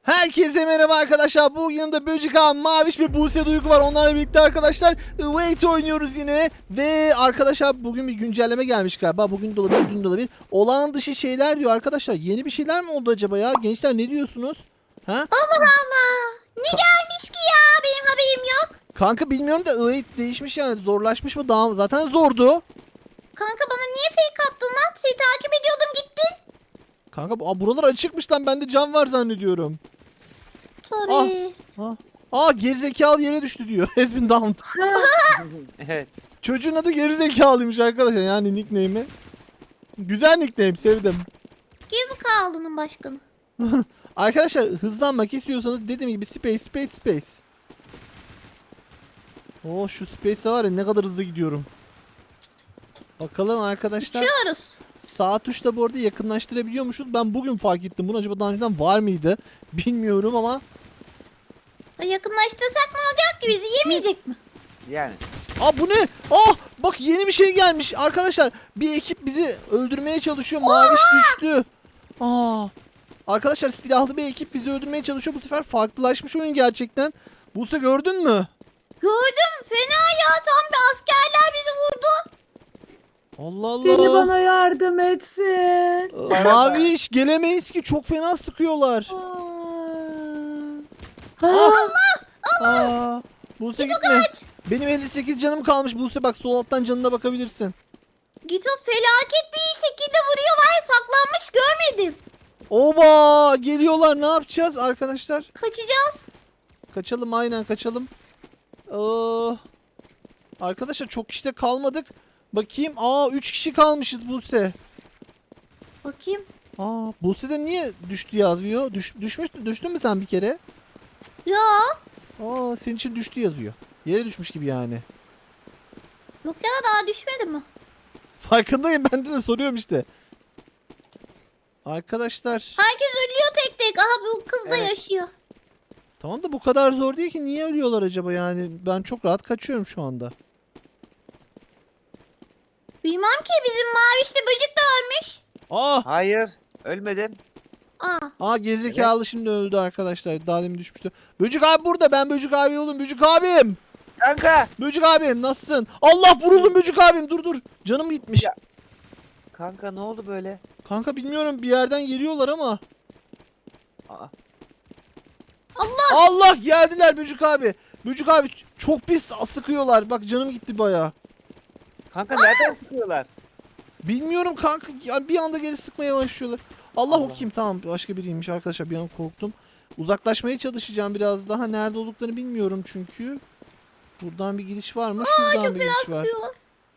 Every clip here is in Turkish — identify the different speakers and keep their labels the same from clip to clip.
Speaker 1: Herkese merhaba arkadaşlar. Bugün yanımda Böcük abi, Maviş ve Buse Duygu var. Onlarla birlikte arkadaşlar Wait oynuyoruz yine. Ve arkadaşlar bugün bir güncelleme gelmiş galiba. Bugün de olabilir, dün de olabilir. Olağan dışı şeyler diyor arkadaşlar. Yeni bir şeyler mi oldu acaba ya? Gençler ne diyorsunuz? Ha?
Speaker 2: Allah Allah. Ne gelmiş ki ya? Benim haberim yok.
Speaker 1: Kanka bilmiyorum da Wait değişmiş yani. Zorlaşmış mı? Daha zaten zordu.
Speaker 2: Kanka bana niye fake attın lan? Seni takip ediyordum gittin.
Speaker 1: Kanka buralar açıkmış lan. Bende cam var zannediyorum.
Speaker 2: Tabii.
Speaker 1: Gerizekalı yere düştü diyor. Has been downed.
Speaker 3: Evet.
Speaker 1: Çocuğun adı gerizekalıymış arkadaşlar, yani nickname'i. Güzel nickname, sevdim.
Speaker 2: Gezi kaldının başkanı.
Speaker 1: Arkadaşlar hızlanmak istiyorsanız dediğim gibi space. Şu space'e var ya, ne kadar hızlı gidiyorum. Bakalım arkadaşlar.
Speaker 2: Uçuyoruz.
Speaker 1: Sağ tuşla bu arada yakınlaştırabiliyormuşuz. Ben bugün fark ettim bunu. Acaba daha önceden var mıydı? Bilmiyorum ama.
Speaker 2: Yakınlaştırsak ne olacak ki, bizi yemeyecek mi?
Speaker 3: Yani.
Speaker 1: Bu ne? Bak yeni bir şey gelmiş. Arkadaşlar bir ekip bizi öldürmeye çalışıyor. Maviş düştü. Arkadaşlar silahlı bir ekip bizi öldürmeye çalışıyor. Bu sefer farklılaşmış oyun gerçekten. Buse gördün mü?
Speaker 2: Gördüm, fena ya, tam bir askerler bizi vurdu.
Speaker 1: Allah
Speaker 4: Biri
Speaker 1: Allah.
Speaker 4: bana yardım etsin.
Speaker 1: Maviş gelemeyiz ki, çok fena sıkıyorlar. Buse gitme. Benim 58 canım kalmış Buse, bak sol alttan canına bakabilirsin.
Speaker 2: Gito felaket bir şekilde vuruyor, var saklanmış, görmedim.
Speaker 1: Oba geliyorlar, ne yapacağız arkadaşlar?
Speaker 2: Kaçacağız.
Speaker 1: Kaçalım, aynen kaçalım. Arkadaşlar çok kişi de kalmadık. Bakayım. 3 kişi kalmışız Buse.
Speaker 2: Bakayım.
Speaker 1: Buse'de niye düştü yazıyor? Düştün mü sen bir kere?
Speaker 2: Ya.
Speaker 1: Senin için düştü yazıyor. Yere düşmüş gibi yani.
Speaker 2: Yok ya, daha düşmedi mi?
Speaker 1: Farkındayım, ben de soruyorum işte. Arkadaşlar.
Speaker 2: Herkes ölüyor tek tek. Aha, bu kız da
Speaker 3: Evet.
Speaker 2: yaşıyor.
Speaker 1: Tamam da bu kadar zor değil ki. Niye ölüyorlar acaba yani? Ben çok rahat kaçıyorum şu anda.
Speaker 2: Bilmem ki, bizim mavişli böcek de ölmüş.
Speaker 3: Hayır. Ölmedim.
Speaker 1: Gerizekalı şimdi öldü arkadaşlar. Daha demin düşmüştü. Böcük abi burada. Ben Böcük abi oğlum. Böcük abim.
Speaker 3: Kanka.
Speaker 1: Böcük abim nasılsın? Allah, vuruldum Böcük abim. Dur. Canım gitmiş.
Speaker 3: Ya. Kanka ne oldu böyle?
Speaker 1: Kanka bilmiyorum, bir yerden geliyorlar ama.
Speaker 3: Aa,
Speaker 1: Allah, geldiler Böcük abi. Böcük abi çok pis sıkıyorlar. Bak canım gitti baya.
Speaker 3: kanka nereden sıkıyorlar?
Speaker 1: Bilmiyorum kanka. Yani bir anda gelip sıkmaya başlıyorlar. Allah, o
Speaker 3: Allah.
Speaker 1: kim? Tamam, başka biriymiş arkadaşlar. Bir an korktum. Uzaklaşmaya çalışacağım biraz daha. Nerede olduklarını bilmiyorum çünkü. Buradan bir gidiş var mı? Şuradan bir gidiş var.
Speaker 2: Sıkıyorlar.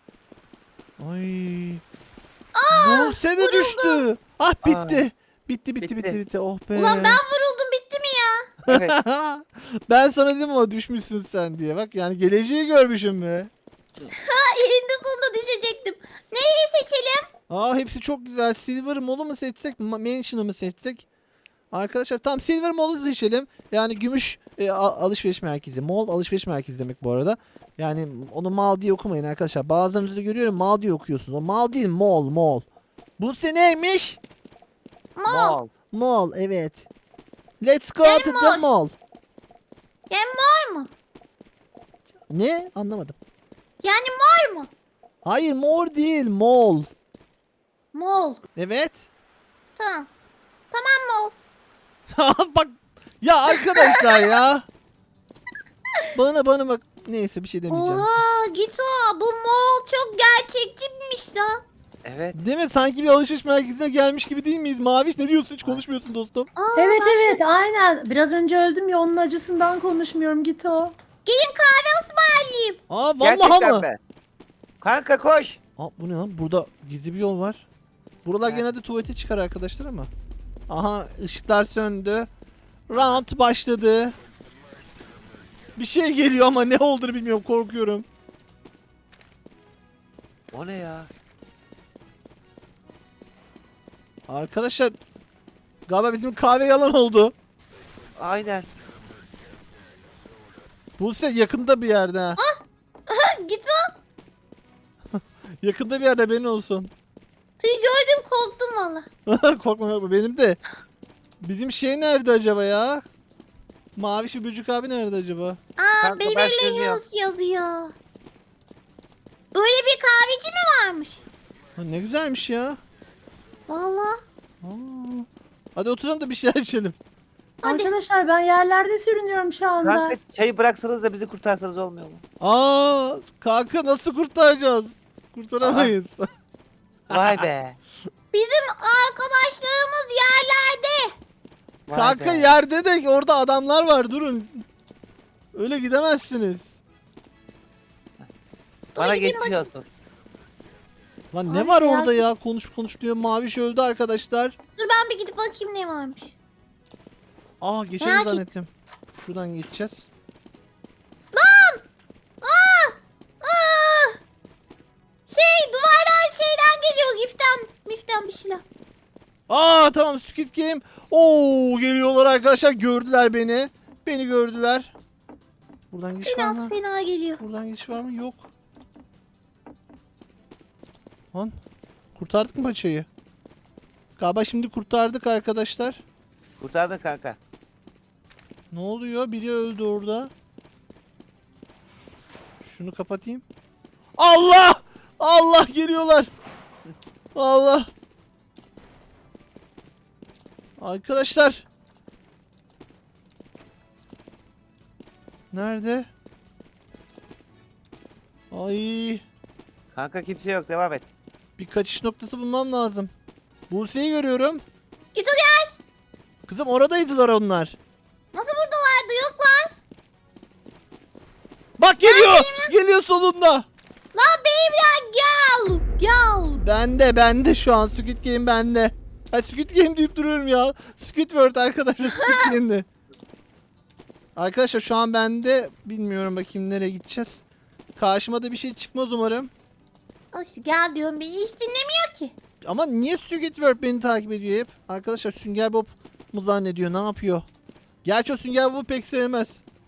Speaker 1: Ay. Buse de düştü. Bitti. Bitti. Oh be.
Speaker 2: Ulan ben vuruldum, bitti mi ya?
Speaker 3: Evet.
Speaker 1: Ben sana dedim ama düşmüşsün sen diye. Bak yani geleceği görmüşüm be.
Speaker 2: Elinde sonunda düşecektim. Nereyi seçelim?
Speaker 1: Hepsi çok güzel. Silver Mall'u mu seçsek, Mansion'ı mı seçsek? Arkadaşlar tam Silver Mall'u seçelim. Yani gümüş alışveriş merkezi. Mall alışveriş merkezi demek bu arada. Yani onu mal diye okumayın arkadaşlar. Bazılarınızı görüyorum mal diye okuyorsunuz. O mal değil, mall. Bu neymiş?
Speaker 2: Mall.
Speaker 1: Mall, evet. Let's go
Speaker 2: Yani
Speaker 1: to the mall.
Speaker 2: Yani mor mu?
Speaker 1: Ne? Anlamadım.
Speaker 2: Yani mor mu?
Speaker 1: Hayır, mor değil, mall.
Speaker 2: Mall.
Speaker 1: Evet.
Speaker 2: Tamam. Tamam mall.
Speaker 1: Bak ya arkadaşlar ya. Bana bak. Neyse, bir şey demeyeceğim.
Speaker 2: Oha Gito, bu mall çok gerçekçiymiş la.
Speaker 3: Evet.
Speaker 1: Değil mi? Sanki bir alışveriş merkezine gelmiş gibi değil miyiz? Maviş, ne diyorsun? Hiç konuşmuyorsun dostum.
Speaker 4: Evet
Speaker 2: bak
Speaker 4: evet aynen. Biraz önce öldüm ya, onun acısından konuşmuyorum Gito.
Speaker 2: Gelin kahve ısmarlayayım.
Speaker 1: Vallahi
Speaker 3: Gerçekten
Speaker 1: mı?
Speaker 3: be. Kanka koş.
Speaker 1: Bu ne lan? Burada gizli bir yol var. Buralar
Speaker 3: Evet.
Speaker 1: genelde tuvalete çıkar arkadaşlar ama. Aha, ışıklar söndü. Round başladı. Bir şey geliyor ama ne olduğunu bilmiyorum, korkuyorum.
Speaker 3: O ne ya?
Speaker 1: Arkadaşlar galiba bizim kahve yalan oldu.
Speaker 3: Aynen.
Speaker 1: Buse yakında bir yerde ha.
Speaker 2: Gito,
Speaker 1: Yakında bir yerde, benim olsun.
Speaker 2: seni gördüm korktum valla.
Speaker 1: Korkma benim de. Bizim şey nerede acaba ya? Maviş bir böcük abi nerede acaba?
Speaker 2: Aa,
Speaker 3: Kanka, ben
Speaker 2: Beverly
Speaker 3: çözüyorum.
Speaker 2: Hills yazıyor. Öyle bir kahveci mi varmış?
Speaker 1: Ha, ne güzelmiş ya.
Speaker 2: Vallahi.
Speaker 1: Aa. Hadi oturalım da bir şeyler içelim.
Speaker 2: Hadi.
Speaker 4: Arkadaşlar ben yerlerde sürünüyorum şu anda.
Speaker 3: Kanka çayı bıraksanız da bizi kurtarsanız olmuyor mu?
Speaker 1: Aa, kanka nasıl kurtaracağız? Kurtaramayız.
Speaker 3: Vay be.
Speaker 2: Bizim arkadaşlarımız yerlerde.
Speaker 3: Vay
Speaker 1: Kanka
Speaker 3: be.
Speaker 1: yerde de orada adamlar var, durun. Öyle gidemezsiniz.
Speaker 3: Bana
Speaker 2: gideyim
Speaker 3: geçmiş olsun.
Speaker 1: Lan ne
Speaker 2: Abi
Speaker 1: var
Speaker 2: ya.
Speaker 1: orada ya? Konuş diyor. Maviş öldü arkadaşlar.
Speaker 2: Dur ben bir gidip bakayım ne varmış.
Speaker 1: Aa, geçelim
Speaker 2: Merak
Speaker 1: zannettim. Şuradan geçeceğiz.
Speaker 2: Aa! Duvardan şeyden geliyor. Miften bir şeyler.
Speaker 1: Aa, tamam, Squid Game. Oo, geliyorlar arkadaşlar. Gördüler beni. Beni gördüler. Buradan geçiş var
Speaker 2: Biraz
Speaker 1: mı?
Speaker 2: fena geliyor.
Speaker 1: Buradan geçiş var mı? Yok. Lan kurtardık mı paçayı? Galiba şimdi kurtardık arkadaşlar.
Speaker 3: Kurtardın kanka.
Speaker 1: Ne oluyor? Biri öldü orada. Şunu kapatayım. Allah! Allah, geliyorlar. Allah. Arkadaşlar. Nerede? Ay.
Speaker 3: Kanka kimse yok, devam et.
Speaker 1: Bir kaçış noktası bulmam lazım. Buse'yi görüyorum.
Speaker 2: Git o gel.
Speaker 1: Kızım, oradaydılar onlar.
Speaker 2: Nasıl buradalardı? Yoklar.
Speaker 1: Bak geliyor. Geliyor solunda.
Speaker 2: Lan benimle gel. Gel.
Speaker 1: Bende şu an Squid Game bende. Ha, Squid Game deyip duruyorum ya. Squidward arkadaşlar, Squid Game'de. Arkadaşlar şu an bende, bilmiyorum, bakayım nereye gideceğiz. Karşıma da bir şey çıkmaz umarım.
Speaker 2: Al işte gel diyorum beni hiç dinlemiyor ki.
Speaker 1: Ama niye Squidward beni takip ediyor hep? Arkadaşlar Sünger Bob mu zannediyor, ne yapıyor? Gerçi o Sünger Bob'u pek sevmez.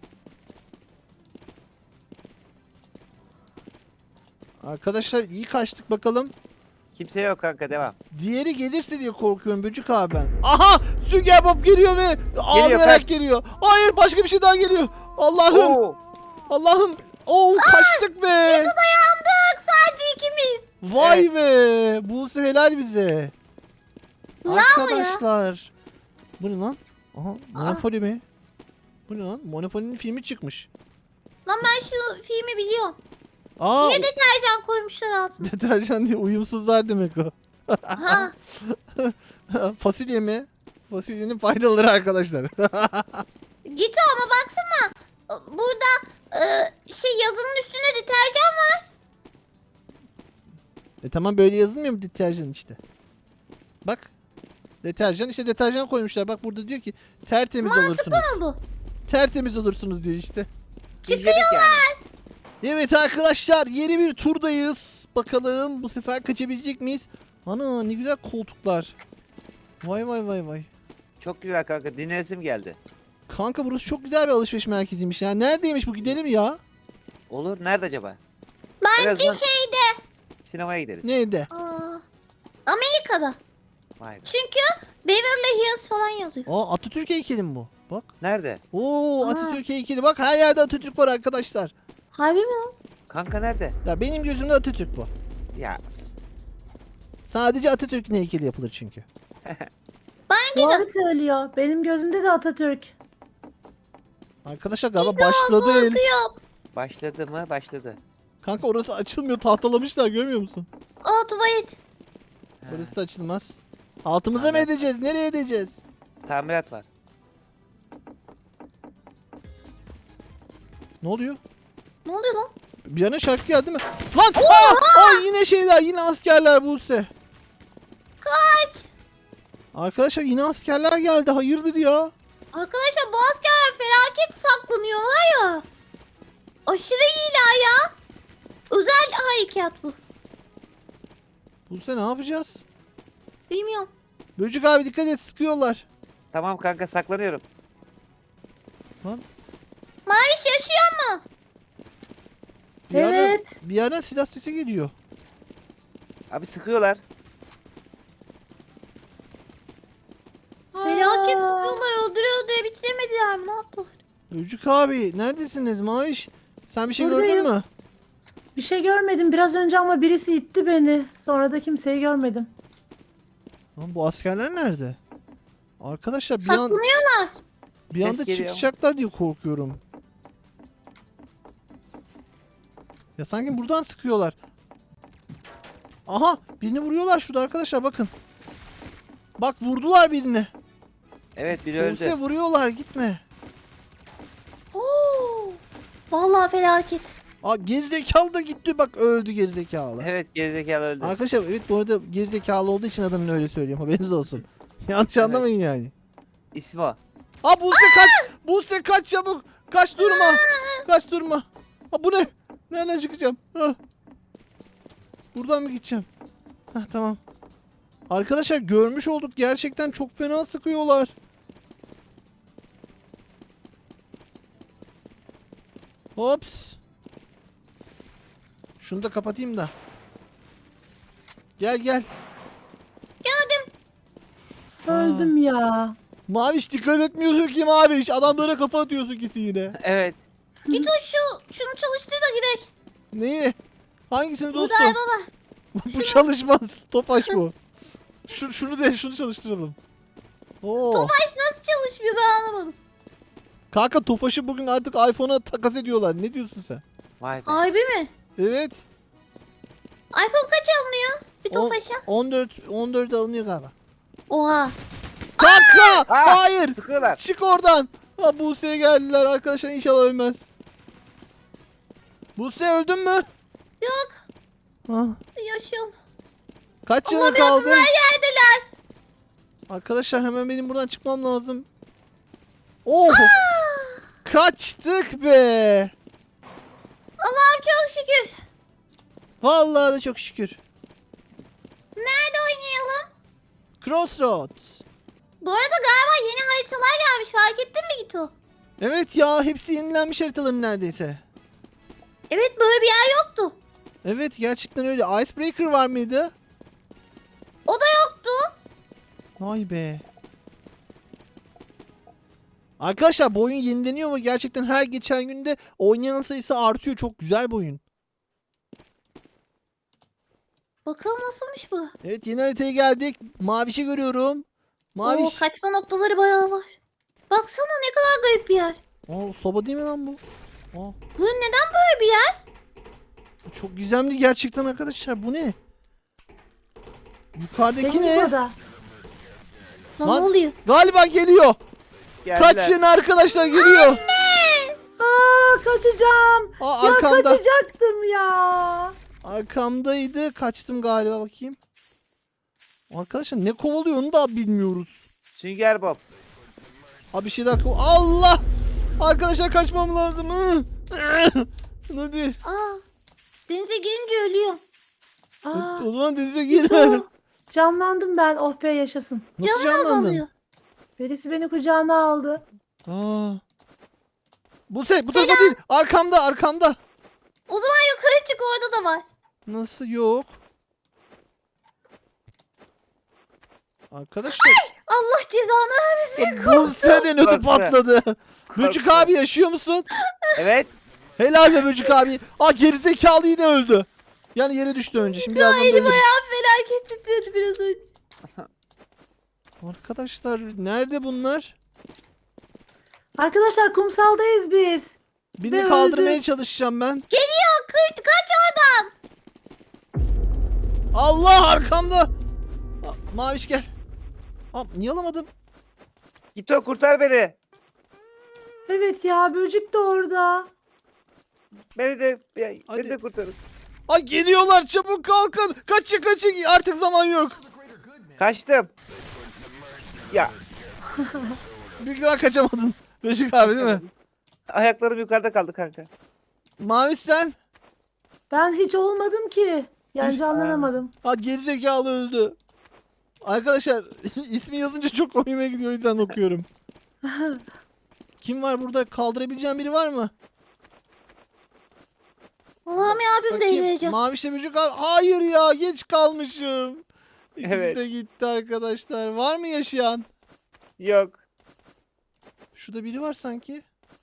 Speaker 1: Arkadaşlar iyi kaçtık bakalım.
Speaker 3: Kimse yok kanka, devam.
Speaker 1: Diğeri gelirse diye korkuyorum Böcük abi ben. Aha! Sünger Bob geliyor ve ağlayarak
Speaker 3: kaç.
Speaker 1: geliyor. Hayır, başka bir şey daha geliyor. Allah'ım!
Speaker 3: Oo.
Speaker 1: Allah'ım! Oo, kaçtık be!
Speaker 2: Dayandık sadece ikimiz.
Speaker 1: Vay be! Buse helal bize.
Speaker 2: Bravo ya.
Speaker 1: Arkadaşlar. Bu ne lan? Aha, Monopoly mi? Bu ne lan? Monopoly'nin filmi çıkmış.
Speaker 2: Lan ben şu filmi biliyorum.
Speaker 1: Aa,
Speaker 2: Niye deterjan koymuşlar altına?
Speaker 1: deterjan diye uyumsuzlar demek o.
Speaker 2: Ha.
Speaker 1: Fasulye mi? Fasulyenin faydaları arkadaşlar.
Speaker 2: Git ama baksana. Burada yazının üstünde deterjan var.
Speaker 1: Tamam, böyle yazılmıyor mu deterjan işte? Bak. Deterjan, işte deterjan koymuşlar. Bak burada diyor ki tertemiz olursunuz.
Speaker 2: Ne bu?
Speaker 1: Tertemiz olursunuz diyor işte.
Speaker 3: İzledik yani.
Speaker 1: Evet arkadaşlar, yeni bir turdayız. Bakalım bu sefer kaçabilecek miyiz? Ana, ne güzel koltuklar. Vay vay vay vay.
Speaker 3: Çok güzel kanka, dinlesim geldi.
Speaker 1: Kanka burası çok güzel bir alışveriş merkeziymiş ya. Neredeymiş bu, gidelim ya.
Speaker 3: Olur, nerede acaba?
Speaker 2: Bence
Speaker 3: Birazdan
Speaker 2: şeyde.
Speaker 3: sinemaya gideriz.
Speaker 1: Neydi?
Speaker 2: Amerika'da.
Speaker 3: Vay be.
Speaker 2: Çünkü Beverly Hills falan yazıyor.
Speaker 1: Aa, Atatürk heykeli mi bu? Bak.
Speaker 3: Nerede?
Speaker 1: Oo,
Speaker 2: Aa.
Speaker 1: Atatürk heykeli. Bak, her yerde Atatürk var arkadaşlar.
Speaker 2: Harbi mi lan?
Speaker 3: Kanka nerede?
Speaker 1: Ya benim gözümde Atatürk bu.
Speaker 3: Ya
Speaker 1: Sadece Atatürk'ün heykeli yapılır çünkü.
Speaker 4: Doğru söylüyor. Benim gözümde de Atatürk.
Speaker 1: Arkadaşlar galiba başladı el.
Speaker 2: Korkuyorum.
Speaker 3: başladı mı? Başladı.
Speaker 1: Kanka orası açılmıyor, tahtalamışlar, görmüyor musun?
Speaker 2: Aa tuvalet.
Speaker 3: Ha,
Speaker 1: Orası da açılmaz. Altımıza mı
Speaker 3: Evet.
Speaker 1: edeceğiz? Nereye edeceğiz?
Speaker 3: tamirat var.
Speaker 1: Ne oluyor?
Speaker 2: Ne oluyor lan?
Speaker 1: Bir yana şarkı geldi mi? Lan! Aa! Ay, yine şeyler, yine askerler Buse.
Speaker 2: Kaç.
Speaker 1: Arkadaşlar yine askerler geldi. Hayırdır ya?
Speaker 2: Arkadaşlar bu askerler felaket saklanıyor var ya. Aşırı iyiler ya. Özel harekat bu.
Speaker 1: Buse ne yapacağız?
Speaker 2: Bilmiyorum.
Speaker 1: Böcük abi dikkat et, sıkıyorlar.
Speaker 3: Tamam kanka, saklanıyorum.
Speaker 2: Maviş yaşıyor mu?
Speaker 1: Bir yerden,
Speaker 4: Evet.
Speaker 1: bir yerden silah sesi geliyor.
Speaker 3: Abi sıkıyorlar.
Speaker 2: Felaket sıkıyorlar, öldürüyor bitiremediler mi? Ne yaptılar?
Speaker 1: Böcük abi neredesiniz Maviş? Sen bir şey gördün
Speaker 4: Buradayım.
Speaker 1: mü?
Speaker 4: Bir şey görmedim biraz önce ama birisi itti beni. Sonra da kimseyi görmedim.
Speaker 1: Lan bu askerler nerede? Arkadaşlar bir
Speaker 2: Saklanıyorlar.
Speaker 1: bir anda
Speaker 3: Ses geliyor.
Speaker 1: çıkacaklar diye korkuyorum. Ya sanki buradan sıkıyorlar. Aha birini vuruyorlar şurada arkadaşlar bakın. Bak vurdular birini.
Speaker 3: Evet biri öldü.
Speaker 1: Buse vuruyorlar gitme.
Speaker 2: Oo. Vallahi felaket.
Speaker 1: Aa gerizekalı da gitti bak öldü gerizekalı.
Speaker 3: Evet gerizekalı öldü.
Speaker 1: Arkadaşlar evet bu arada gerizekalı olduğu için adını öyle söylüyorum haberiniz olsun. Yanlış anlamayın yani.
Speaker 3: İsmi o.
Speaker 1: Aa Buse kaç! Buse kaç çabuk! Kaç durma! Kaç durma! Ha bu ne? Nereden çıkacağım? Ha. Buradan mı gideceğim? Hah tamam. Arkadaşlar görmüş olduk gerçekten çok fena sıkıyorlar. Hops. Şunu da kapatayım da. Gel gel.
Speaker 4: Öldüm ya.
Speaker 1: Maviş dikkat etmiyorsun ki Maviş. Adamlara kafa atıyorsun kesin yine.
Speaker 3: Evet.
Speaker 2: Git o şunu çalıştır da gidelim.
Speaker 1: Neyi? Hangisini
Speaker 2: Bu
Speaker 1: dostum?
Speaker 2: galiba baba.
Speaker 1: Bu çalışmaz. Topaş bu. Şunu çalıştıralım. Oo.
Speaker 2: Tofaş nasıl çalışmıyor ben anlamadım.
Speaker 1: Kanka Tofaş'ı bugün artık iPhone'a takas ediyorlar. Ne diyorsun sen?
Speaker 3: Vay be.
Speaker 2: Harbi mi?
Speaker 1: Evet.
Speaker 2: iPhone kaç alınıyor? Bir Tofaş'a.
Speaker 1: 14 alınıyor galiba.
Speaker 2: Oha.
Speaker 1: Kanka!
Speaker 3: Aa!
Speaker 1: Hayır!
Speaker 3: Sıkıyorlar.
Speaker 1: Çık oradan. Ha Buse'ye geldiler arkadaşlar inşallah ölmez. Buse öldün mü?
Speaker 2: Yok.
Speaker 1: Ha,
Speaker 2: Yaşıyorum.
Speaker 1: kaç canı
Speaker 2: Allah'ım
Speaker 1: kaldı?
Speaker 2: yardım, her yerdeler.
Speaker 1: Arkadaşlar hemen benim buradan çıkmam lazım. Oh! Kaçtık be!
Speaker 2: Allah'ım çok şükür.
Speaker 1: Vallahi de çok şükür.
Speaker 2: Nerede oynayalım?
Speaker 1: Crossroads.
Speaker 2: Bu arada galiba yeni haritalar gelmiş. Fark ettin mi Gito?
Speaker 1: Evet ya hepsi yenilenmiş haritaların neredeyse.
Speaker 2: Evet böyle bir yer yoktu.
Speaker 1: Evet gerçekten öyle. Icebreaker var mıydı?
Speaker 2: O da yoktu.
Speaker 1: Vay be. Arkadaşlar bu oyun yenileniyor mu? Gerçekten her geçen günde oynayan sayısı artıyor. Çok güzel bir oyun.
Speaker 2: Bakalım nasılmış bu?
Speaker 1: Evet yeni haritaya geldik. Maviş'i görüyorum.
Speaker 2: Oo,
Speaker 1: Maviş.
Speaker 2: kaçma noktaları bayağı var. Baksana ne kadar garip bir yer.
Speaker 1: Aa, soba değil mi lan bu? Aa,
Speaker 2: Bu neden böyle bir yer?
Speaker 1: çok gizemli gerçekten arkadaşlar. Bu ne? Yukarıdaki
Speaker 4: Benim
Speaker 1: ne?
Speaker 4: burada.
Speaker 2: Lan
Speaker 1: Lan-
Speaker 2: ne oluyor?
Speaker 1: Galiba geliyor.
Speaker 3: Geldiler.
Speaker 1: Kaçın arkadaşlar geliyor.
Speaker 4: Aa kaçacağım.
Speaker 1: Aa,
Speaker 4: Ya
Speaker 1: arkamda.
Speaker 4: kaçacaktım ya.
Speaker 1: Arkamdaydı. Kaçtım galiba bakayım. Arkadaşlar ne kovalıyor onu da bilmiyoruz.
Speaker 3: Sünger Bob.
Speaker 1: Abi bir şey daha Allah! Arkadaşlar kaçmam lazım. Hadi.
Speaker 2: Aa, denize girince ölüyor.
Speaker 4: Aa,
Speaker 1: O zaman denize girme.
Speaker 4: Gito. Canlandım ben. Oh be yaşasın.
Speaker 1: Nasıl
Speaker 2: Canı
Speaker 1: canlandın?
Speaker 2: azalıyor.
Speaker 4: Birisi beni kucağına aldı.
Speaker 1: Aa. Bu tarafa değil. Arkamda.
Speaker 2: O zaman yukarı çık orada da var.
Speaker 1: Nasıl yok? Arkadaşlar
Speaker 2: Allah cezanı vermesin.
Speaker 1: bu senin ödü
Speaker 3: Korktu.
Speaker 1: patladı. Böcük
Speaker 3: Korktu.
Speaker 1: abi yaşıyor musun?
Speaker 3: Evet.
Speaker 1: Helal be Böcük abi. Aa gerizekalı yine öldü. Yani yere düştü önce. Şimdi birazdan
Speaker 2: Elim
Speaker 1: dönüyor.
Speaker 2: ayağım felaket titredi biraz önce.
Speaker 1: Arkadaşlar nerede bunlar?
Speaker 4: Arkadaşlar kumsaldayız biz.
Speaker 1: Birini
Speaker 4: Ve
Speaker 1: kaldırmaya
Speaker 4: öldü.
Speaker 1: çalışacağım ben.
Speaker 2: Geliyor kaç oradan.
Speaker 1: Allah arkamda. Aa, Maviş gel. Aa, niye alamadım?
Speaker 3: Git o kurtar beni.
Speaker 4: Evet ya böcük de orada.
Speaker 3: Beni
Speaker 1: Hadi.
Speaker 3: de kurtarın.
Speaker 1: Ay geliyorlar çabuk kalkın. Kaçın artık zaman yok.
Speaker 3: Kaçtım. Ya
Speaker 1: Bir daha kaçamadın. Böcük abi değil mi?
Speaker 3: ayaklarım yukarıda kaldı kanka.
Speaker 1: Maviş sen?
Speaker 4: Ben hiç olmadım ki. Yani
Speaker 1: Hiç-
Speaker 4: canlanamadım.
Speaker 1: Ha gerizekalı öldü. Arkadaşlar ismi yazınca çok hoşuma gidiyor o yüzden okuyorum. Kim var burada? Kaldırabileceğim biri var mı?
Speaker 2: Allah'ım ya abim
Speaker 1: Bakayım.
Speaker 2: delireceğim.
Speaker 1: Mavişle Böcük abi. Hayır ya geç kalmışım. İkisi
Speaker 3: Evet.
Speaker 1: de gitti arkadaşlar. Var mı yaşayan?
Speaker 3: Yok.
Speaker 1: Şurada biri var sanki.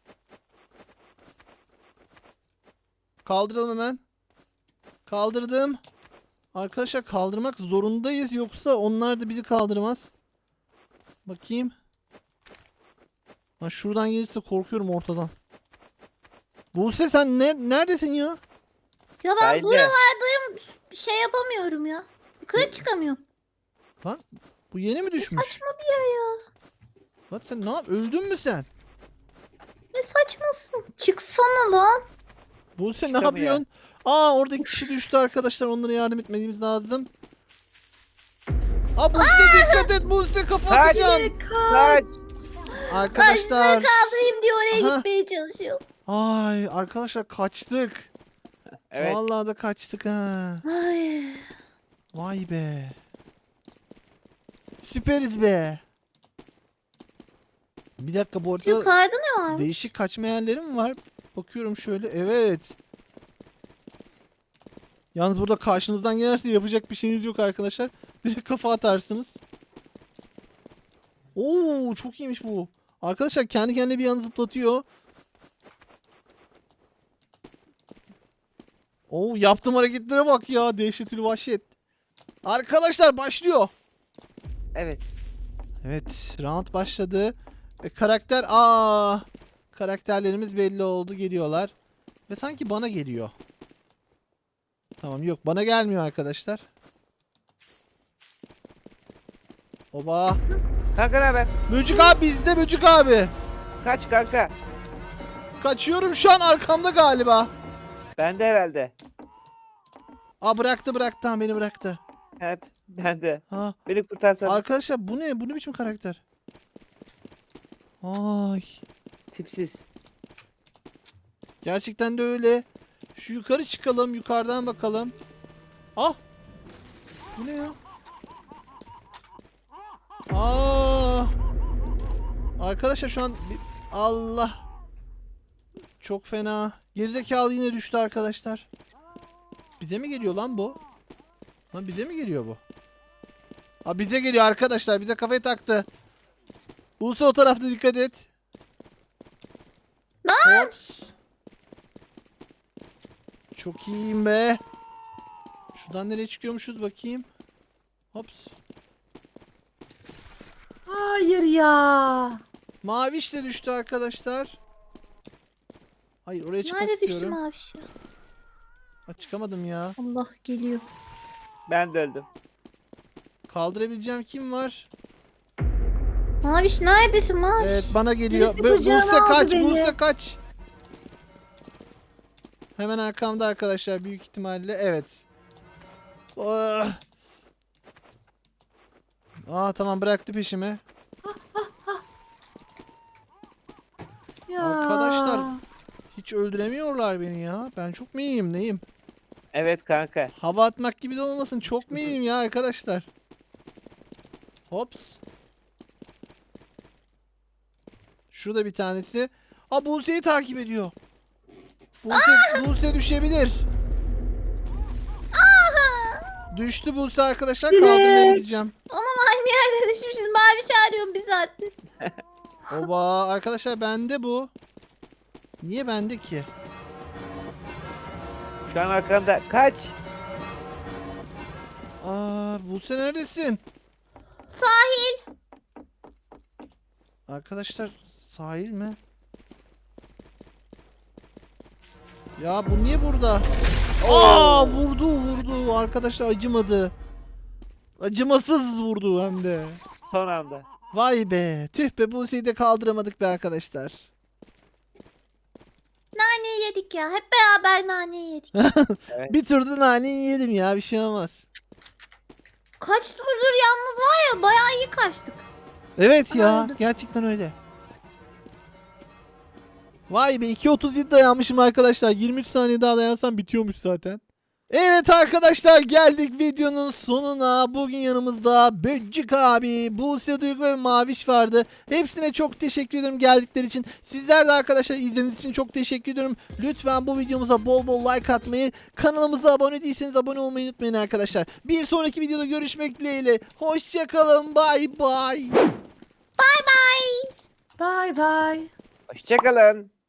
Speaker 1: Kaldıralım hemen. Kaldırdım. Arkadaşlar kaldırmak zorundayız yoksa onlar da bizi kaldırmaz. Bakayım. Ha, şuradan gelirse korkuyorum ortadan. Buse sen neredesin ya?
Speaker 2: Ya ben
Speaker 3: Haydi.
Speaker 2: buralardayım. Şey yapamıyorum ya. Yukarı çıkamıyorum.
Speaker 1: Bu yeni mi düşmüş?
Speaker 2: Saçma bir yer ya.
Speaker 1: Lan sen ne yap? Öldün mü sen?
Speaker 2: Ne saçmasın. Çıksana lan.
Speaker 1: Buse ne
Speaker 3: Çıkamıyor.
Speaker 1: yapıyorsun? Aa orada iki kişi düştü arkadaşlar. Onlara yardım etmemiz lazım. Aa Buse dikkat et. Buse kafa
Speaker 3: Kaç.
Speaker 1: atacaksın.
Speaker 3: Kaç.
Speaker 1: Arkadaşlar.
Speaker 2: Kaldırayım diye oraya
Speaker 1: Aha.
Speaker 2: gitmeye çalışıyor.
Speaker 1: Ay arkadaşlar kaçtık.
Speaker 3: Evet.
Speaker 1: Vallahi da kaçtık ha.
Speaker 2: Ay.
Speaker 1: Vay be. Süperiz be. Bir dakika bu arada
Speaker 2: Yukarıda ne var?
Speaker 1: değişik kaçma yerleri mi var? Bakıyorum şöyle. Evet. Yalnız burada karşınızdan gelirse yapacak bir şeyiniz yok arkadaşlar. Direkt kafa atarsınız. Oo çok iyiymiş bu. Arkadaşlar kendi kendine bir yana zıplatıyor. Oo yaptığım hareketlere bak ya. Dehşetül vahşet. Arkadaşlar başlıyor.
Speaker 3: Evet.
Speaker 1: Evet, round başladı. Karakterlerimiz belli oldu, geliyorlar. Ve sanki bana geliyor. Tamam, yok bana gelmiyor arkadaşlar. Oba.
Speaker 3: Kanka ne haber?
Speaker 1: Böcük abi bizde, Böcük abi.
Speaker 3: Kaç kanka.
Speaker 1: Kaçıyorum şu an, arkamda galiba.
Speaker 3: Ben de herhalde.
Speaker 1: Aa bıraktı, ha, beni bıraktı.
Speaker 3: Hep ben de.
Speaker 1: Ha,
Speaker 3: Beni kurtarsanız.
Speaker 1: arkadaşlar bu ne? Bu ne biçim karakter? Ay.
Speaker 3: Tipsiz.
Speaker 1: Gerçekten de öyle. Şu yukarı çıkalım. Yukarıdan bakalım. Ah. Bu ne ya? Aa. Arkadaşlar şu an Allah. Çok fena. Gerizekalı yine düştü arkadaşlar. Bize mi geliyor lan bu? Lan bize mi geliyor bu? Ha bize geliyor arkadaşlar. Bize kafayı taktı. Buse o tarafta dikkat et. Hops. Çok iyiyim be. Şuradan nereye çıkıyormuşuz bakayım. Hops.
Speaker 4: Hayır ya.
Speaker 1: Maviş de düştü arkadaşlar. Hayır oraya çıkmak
Speaker 2: Nerede
Speaker 1: istiyorum.
Speaker 2: düştüm abi şu?
Speaker 1: Ha, çıkamadım ya.
Speaker 2: Allah geliyor.
Speaker 3: Ben de öldüm.
Speaker 1: Kaldırabileceğim kim var?
Speaker 2: Maviş neredesin Maviş?
Speaker 1: Evet bana geliyor.
Speaker 4: Birisi kucağına
Speaker 1: Buse kaç,
Speaker 4: aldı beni.
Speaker 1: Buse kaç. Hemen arkamda arkadaşlar büyük ihtimalle. Evet. Oh. Aa tamam bıraktı peşimi.
Speaker 4: Ya.
Speaker 1: Arkadaşlar. Hiç öldüremiyorlar beni ya. Ben çok mu iyiyim neyim?
Speaker 3: Evet kanka.
Speaker 1: Hava atmak gibi de olmasın. Çok mu iyiyim ya arkadaşlar? Hops. Şurada bir tanesi. Aa Buse'yi takip ediyor. Buse düşebilir. Düştü Buse arkadaşlar.
Speaker 4: Çilek.
Speaker 1: Kaldırmaya gideceğim.
Speaker 2: Anam aynı yerde düşmüşüz. Maviş arıyorum bir saattir.
Speaker 1: Oba arkadaşlar bende bu. Niye bende ki?
Speaker 3: Şu an arkanda. Kaç.
Speaker 1: Aa Buse neredesin?
Speaker 2: Sahil.
Speaker 1: Arkadaşlar sahil mi? Ya bu niye burada? Aa vurdu arkadaşlar acımadı. Acımasız vurdu hem de.
Speaker 3: Son anda.
Speaker 1: Vay be tüh be Buse'yi de kaldıramadık be arkadaşlar.
Speaker 2: Naneyi yedik ya. Hep beraber naneyi yedik.
Speaker 1: Bir turda naneyi yedim ya bir şey olmaz.
Speaker 2: Kaç turdur yalnız var ya bayağı iyi kaçtık.
Speaker 1: Evet ya
Speaker 2: Aynen.
Speaker 1: gerçekten öyle. Vay be 2.37 dayanmışım arkadaşlar. 23 saniye daha dayansam bitiyormuş zaten. Evet arkadaşlar geldik videonun sonuna. Bugün yanımızda Böcük abi, Buse Duygu ve Maviş vardı. Hepsine çok teşekkür ederim geldikleri için. Sizler de arkadaşlar izlediğiniz için çok teşekkür ediyorum. Lütfen bu videomuza bol bol like atmayı, kanalımıza abone değilseniz abone olmayı unutmayın arkadaşlar. Bir sonraki videoda görüşmek dileğiyle. Hoşçakalın. Bay bay.
Speaker 2: Bay bay.
Speaker 4: Bay bay.
Speaker 3: Hoşçakalın.